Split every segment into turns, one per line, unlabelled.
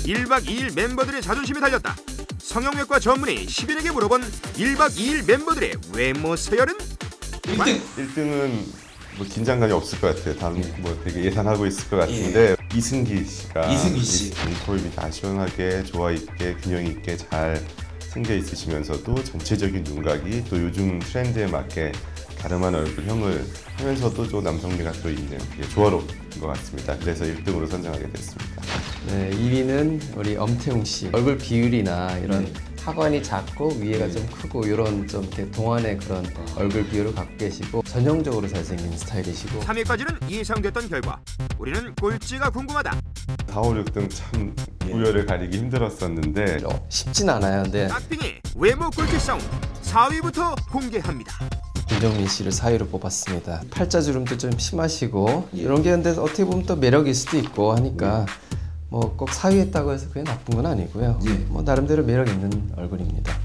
1박 2일 멤버들의 자존심이 달렸다. 성형외과 전문의 시빈에게 물어본 1박 2일 멤버들의 외모 서열은?
1등은 뭐 긴장감이 없을 것 같아요. 다음 뭐 되게 예상하고 있을 것 같은데 이승기 씨가 눈코입이 다 시원하게 조화 있게 균형 있게 잘 생겨 있으시면서도 전체적인 눈각이 또 요즘 트렌드에 맞게 가름한 얼굴형을 하면서도 좀 남성미가 또 있는 게 조화로운 것 같습니다. 그래서 1등으로 선정하게 됐습니다.
네, 2위는 우리 엄태웅 씨. 얼굴 비율이나 이런 하관이 작고 위에가 좀 크고 이런 좀 이렇게 동안의 그런 얼굴 비율을 갖고 계시고 전형적으로 잘생긴 스타일이시고
3위까지는 예상됐던 결과. 우리는 꼴찌가 궁금하다.
4, 5, 6등 참 우열을 가리기 힘들었었는데
쉽진 않아요. 근데
깍빙의 외모 꼴찌 싸움 4위부터 공개합니다.
김정민 씨를 4위로 뽑았습니다. 팔자주름도 좀 심하시고 이런 게 근데 어떻게 보면 또 매력일 수도 있고 하니까 뭐 꼭 4위 했다고 해서 그게 나쁜 건 아니고요. 뭐 나름대로 매력 있는 얼굴입니다.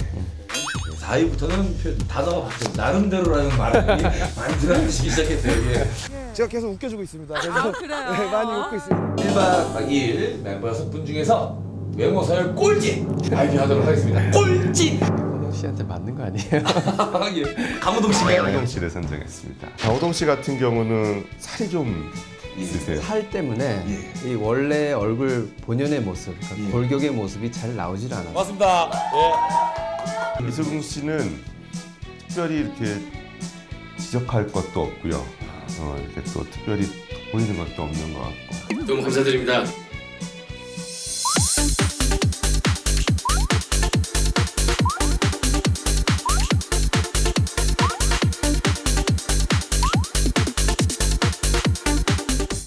4위부터는 단어가 바뀌었어요. 나름대로라는 말이 많이 들어가시기 시작했어요.
제가 계속 웃겨주고 있습니다. 그래서
아, 그래요?
네, 많이 웃고 있습니다.
1박 2일 멤버 6분 중에서 외모 서열 꼴찌 발표하도록 하겠습니다. 꼴찌!
강호동 씨한테 맞는 거 아니에요?
예. 강호동 씨가요?
강호동 씨를 선정했습니다. 강호동 씨 같은 경우는 살이 좀 있으세요.
살 때문에 이 원래 얼굴 본연의 모습, 그러니까 골격의 모습이 잘 나오질 않아요.
맞습니다.
이수근 씨는 특별히 이렇게 지적할 것도 없고요. 이렇게 또 특별히 보이는 것도 없는 것 같고.
너무 감사드립니다.